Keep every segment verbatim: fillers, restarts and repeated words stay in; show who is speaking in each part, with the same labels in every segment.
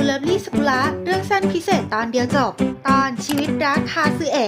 Speaker 1: เลิฟลี่สกุละเรื่องสั้นพิเศษตอนเดียวจบตอนชีวิตรักคาซึเอะ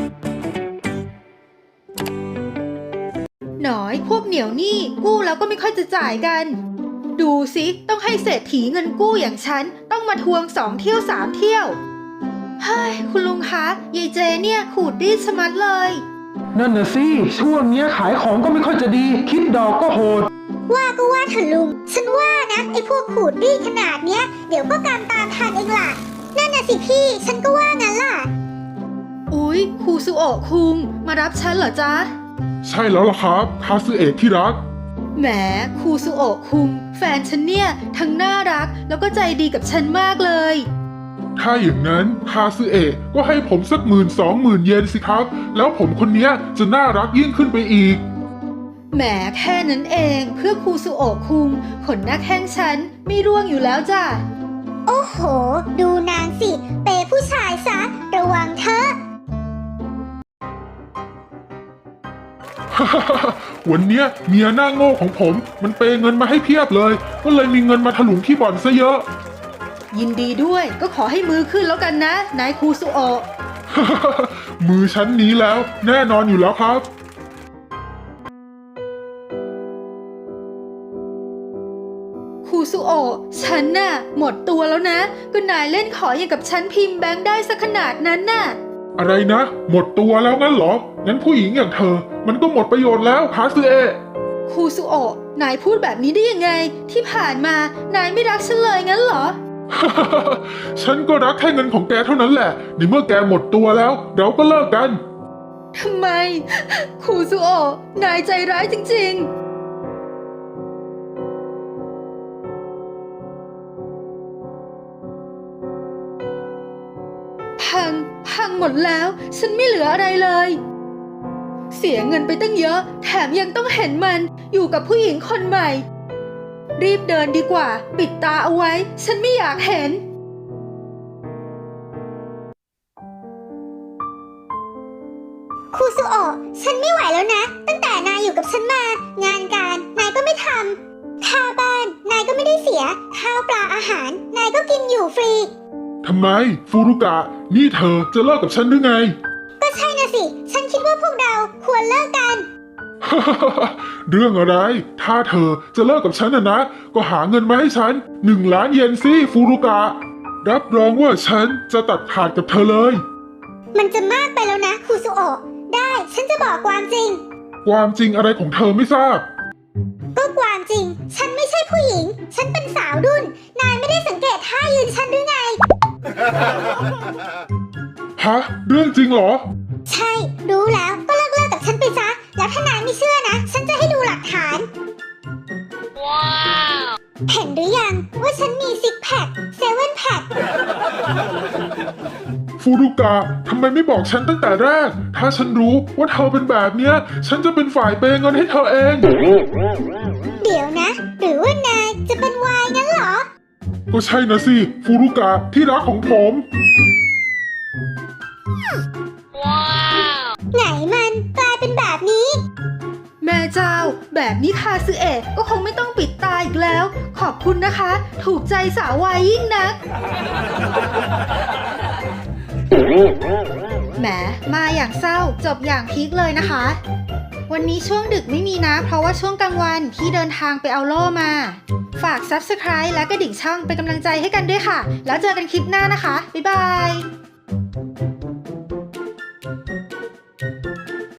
Speaker 1: หน่อยพวกเหนียวหนี้กู้แล้วก็ไม่ค่อยจะจ่ายกันดูสิต้องให้เศรษฐีเงินกู้อย่างฉันต้องมาทวงสองเที่ยวสามเที่ยวเฮ้ยคุณลุงคะยายเจเนี่ยขูดรีดชะมัดเลย
Speaker 2: นั่นน่ะสิช่วงเนี้ยขายของก็ไม่ค่อยจะดีคิดดอกก็โหด
Speaker 3: ว่าก็ว่าเถอะลุงฉันว่านะไอ้พวกขูดรีดขนาดเนี้ยเดี๋ยวก็กำตามทันเองล่ะนั่นน่ะสิพี่ฉันก็ว่างั้นล่ะ
Speaker 1: อุ๊ยครูซุโอะคุงมารับฉันเหรอจ๊ะ
Speaker 4: ใช่แล้วล่ะครับคาซึเอะที่รัก
Speaker 1: แหมครูซุโอะคุงแฟนฉันเนี่ยทั้งน่ารักแล้วก็ใจดีกับฉันมากเลย
Speaker 4: ถ้าอย่างนั้นคาซึเอะก็ให้ผมสักหมื่นสองหมื่นเยนสิครับแล้วผมคนนี้จะน่ารักยิ่งขึ้นไปอีก
Speaker 1: แหมแค่นั้นเองเพื่อครูซุโอะคุงขนหน้าแข้งฉันไม่ร่วงอยู่แล้วจ้ะ
Speaker 3: โอ้โหดูนางสิเปย์ผู้ชายซะระวังเถอะ
Speaker 4: วันเนี้ยเมียหน้าโง่ของผมมันเปย์เงินมาให้เพียบเลยก็เลยมีเงินมาถลุงที่บ่อนซะเยอะ
Speaker 1: ยินดีด้วยก็ขอให้มือขึ้นแล้วกันนะนายครูซุโอะ
Speaker 4: มือชั้นนี้แล้วแน่นอนอยู่แล้วครับ
Speaker 1: ครูซุโอะฉันน่ะหมดตัวแล้วนะก็นายเล่นขออย่างกับฉันพิมพ์แบงค์ได้สักขนาดนั้นน่ะ
Speaker 4: อะไรนะหมดตัวแล้วงั้นเหรองั้นผู้หญิงอย่างเธอมันก็หมดประโยชน์แล้วคาซึเอะ
Speaker 1: ครูซุโอะนายพูดแบบนี้ได้ยังไงที่ผ่านมานายไม่รักฉันเลยงั้นเหรอ
Speaker 4: ฉันก็รักแค่เงินของแกเท่านั้นแหละในเมื่อแกหมดตัวแล้วเราก็เลิกกัน
Speaker 1: ทำไมครูซุโอะนายใจร้ายจริงๆพังพังหมดแล้วฉันไม่เหลืออะไรเลยเสียเงินไปตั้งเยอะแถมยังต้องเห็นมันอยู่กับผู้หญิงคนใหม่รีบเดินดีกว่าปิดตาเอาไว้ฉันไม่อยากเห็น
Speaker 3: ครูซุโอะฉันไม่ไหวแล้วนะตั้งแต่นายอยู่กับฉันมางานการนายก็ไม่ทำค่าบ้านนายก็ไม่ได้เสียข้าวปลาอาหารนายก็กินอยู่ฟรี
Speaker 4: ทำไมฟูรุกะนี่เธอจะเลิกกับฉันหรือไง
Speaker 3: ก็ใช่นะสิฉันคิดว่าพวกเราควรเลิกกัน
Speaker 4: เรื่องอะไรถ้าเธอจะเลิกกับฉันนะนะก็หาเงินมาให้ฉันหนึ่งล้านเยนสิฟูรุกะรับรองว่าฉันจะตัดขาดกับเธอเลย
Speaker 3: มันจะมากไปแล้วนะครูซุโอะได้ฉันจะบอกความจริง
Speaker 4: ความจริงอะไรของเธอไม่ทราบ
Speaker 3: ก็ความจริงฉันไม่ใช่ผู้หญิงฉันเป็นสาวรุ่นนายไม่ได้สังเกตท่ายืนฉันหรือไง
Speaker 4: ฮะเรื่องจริงเหรอ
Speaker 3: ใช่รู้แล้วก็เลิกเลิกกับฉันไปซะแล้วถ้านายไม่เชื่อนะฉันจะให้ดูหลักฐานว้าวเห็นหรือยังว่าฉันมีซิกแพคเซเว่นแพค
Speaker 4: ฟูรุกะทำไมไม่บอกฉันตั้งแต่แรกถ้าฉันรู้ว่าเธอเป็นแบบเนี้ยฉันจะเป็นฝ่ายเปย์เงินให้เธอเอง
Speaker 3: เดี๋ยวนะหรือว่านายจะเป็นวายงั้นเหรอ
Speaker 4: ก็ใช่นะสิฟูรุกะที่รักของผม
Speaker 3: ว้าวไหนมันกลายเป็นแบบนี้
Speaker 1: แม่เจ้าแบบนี้คาซึเอะก็คงไม่ต้องปิดตาอีกแล้วขอบคุณนะคะถูกใจสาววายยิ่งนักแหมมาอย่างเศร้าจบอย่างพีคเลยนะคะวันนี้ช่วงดึกไม่มีนะเพราะว่าช่วงกลางวันพี่เดินทางไปเอาโล่มาฝาก ซับสไครบ์ และกระดิ่งช่องเป็นกำลังใจให้กันด้วยค่ะแล้วเจอกันคลิปหน้านะคะบ๊ายบาย